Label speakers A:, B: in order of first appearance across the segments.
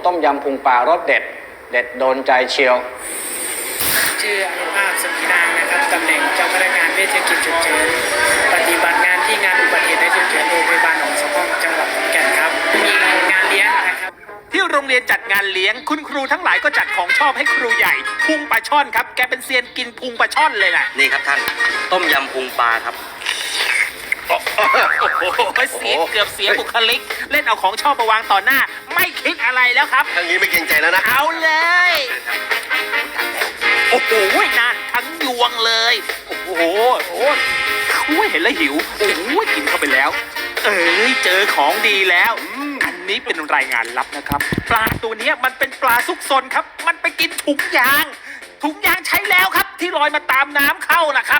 A: ต้มยำพุงปลารสเด็ด เด็ดโดนใจเชียว
B: ชื่ออนุภาพสมีนางนะครับตำแหน่งเจ้าพนักงานเวชกิจฉุกเฉินปฏิบัติงานที่งานอุบัติเหตุและฉุกเฉินโรงพยาบาลหนองสองห้องจังหวัดขอนแก่นครับมีงานเลี้ยงนะครับ
C: ที่โรงเรียนจัดงานเลี้ยงคุณครูทั้งหลายก็จัดของชอบให้ครูใหญ่พุงปลาช่อนครับแกเป็นเซียนกินพุงปลาช่อนเลยแหละ
D: นี่ครับท่านต้มยำพุงปลาครับ
C: โอ้โหเสียเกือบเสียบุคลิกเล่นเอาของชอบมาวางต่อหน้าไม่คิดอะไรแล้วครับ
E: ทางนี้ไม่เกรงใจแล้วนะ
C: เอาเลยโอ้โหนั่นทั้งยวงเลยโอ้โหเห็นแล้วหิวโอ้โหกินเข้าไปแล้วเจอของดีแล้วอันนี้เป็นรายงานลับนะครับปลาตัวนี้มันเป็นปลาซุกซนครับมันไปกินถุงยางใช้แล้วครับที่ลอยมาตามน้ำเข้านะครับ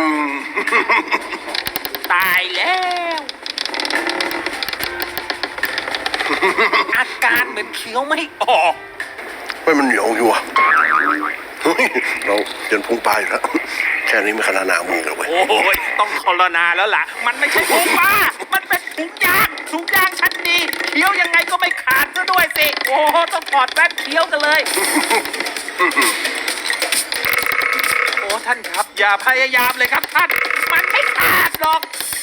C: ตายแล้วอาการเหมือนเคี้ยวไม่ออก
E: ไม่มันเหนียวอยู่อ่ะเราเดินพุงปลาอยู่แล้วแค่นี้ไม่ขนาดหนามือเลยเว้ย
C: โอ้ยต้องคอรนาแล้วล่ะมันไม่ใช่พุงปลามันเป็นถุงยางชั้นดีเคี้ยวยังไงก็ไม่ขาดซะด้วยสิโอ้ต้องถอดแว่นเคี้ยวกันเลยโอ้ท่านครับอย่าพยายามเลยครับท่านมันไม่ขาดหรอก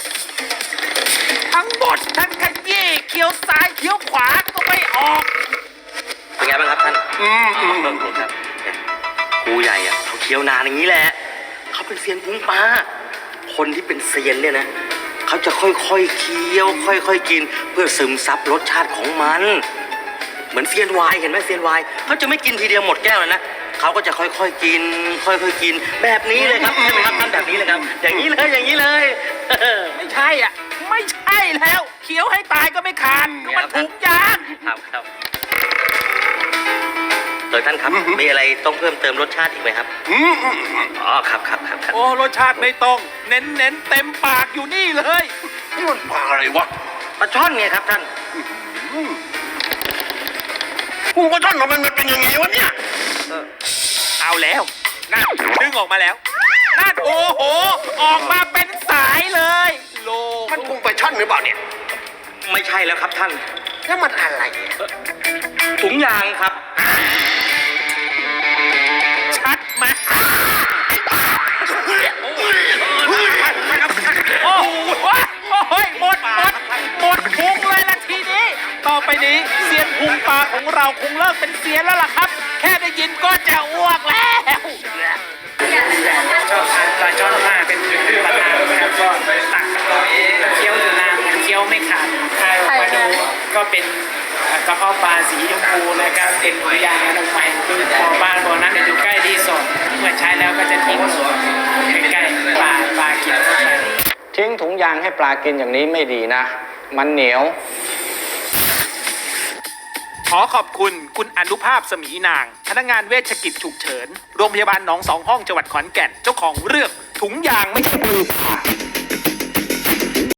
C: ทั้งหมดท่านขยี้เคี้ยวซ้ายเคี้ยวขวาก็ไม่ออก
D: เป็นไงบ้างครับท่านครับครูใหญ่อะเขาเคี้ยวนานอย่างนี้แหละเขาเป็นเซียนพุงปลาคนที่เป็นเซียนเนี่ยนะเขาจะค่อยๆเคี้ยวค่อยๆกินเพื่อซึมซับรสชาติของมันเหมือนเซียนไวน์เห็นไหมเซียนไวน์เขาจะไม่กินทีเดียวหมดแก้วเลยนะเขาก็จะค่อยๆกินกินแบบนี้เลยครับใช่ไหมครับท่านแบบนี้เลยครับอย่างนี้เลย
C: ไม่ใช่อ่ะไม่ใช่แล้วเคี้ยวให้ตายก็ไม่ขาดมันถุงยาง
D: ครับท่านครับมีอะไรต้องเพิ่มเติมรสชาติอีกไหมครับอ๋อครับ
C: โอ้รสชาติไม่ต้องเน้นเต็มปากอยู่นี่เลย
E: นี่มันปลาอะไรวะ
D: ปลาช่อนไงครับท่าน
E: พุงปลาช่อนมันเป็นยังไงวะเนี่ย
C: เอาแล้วนั่นดึงออกมาแล้วนั่นโอ้โหออกมาเป็นสายเลยโล
E: มันพุงปลาช่อนหรือเปล่าเนี่ย
D: ไม่ใช่แล้วครับท่าน
E: แล้วมันอะไร
D: ถุงยางครับ
C: ชัดมาโอ้โหหมดพุงเลยละทีนี้ต่อไปนี้เซียนพุงปลาของเราคงเลิกเป็นเซียนแล้วล่ะครับแค่ได้ยินก็จะอ้วกแล้ว
B: ชอบทานปลาช่อนมากเป็นปลาทานนะครับก็ตักตัวเองเคี้ยวอยู่นานเคี้ยวไม่ขาดมาดูก็เป็นกระเพาะปลาสีชมพูนะครับเป็นถุงยางอนามัยคือบ่อนั้นอยู่ใกล้รีสอร์ทเมื่อใช้แล้วก็จะทิ้งใกล้ๆปลากิน
A: ทิ้งถุงยางให้ปลากินอย่างนี้ไม่ดีนะมันเหนียว
C: ขอขอบคุณอนุภาพสมีนางพนักงานเวชกิจฉุกเฉินโรงพยาบาลหนองสองห้องจังหวัดขอนแก่นเจ้าของเรื่องถุงยางไม่ใช่มือ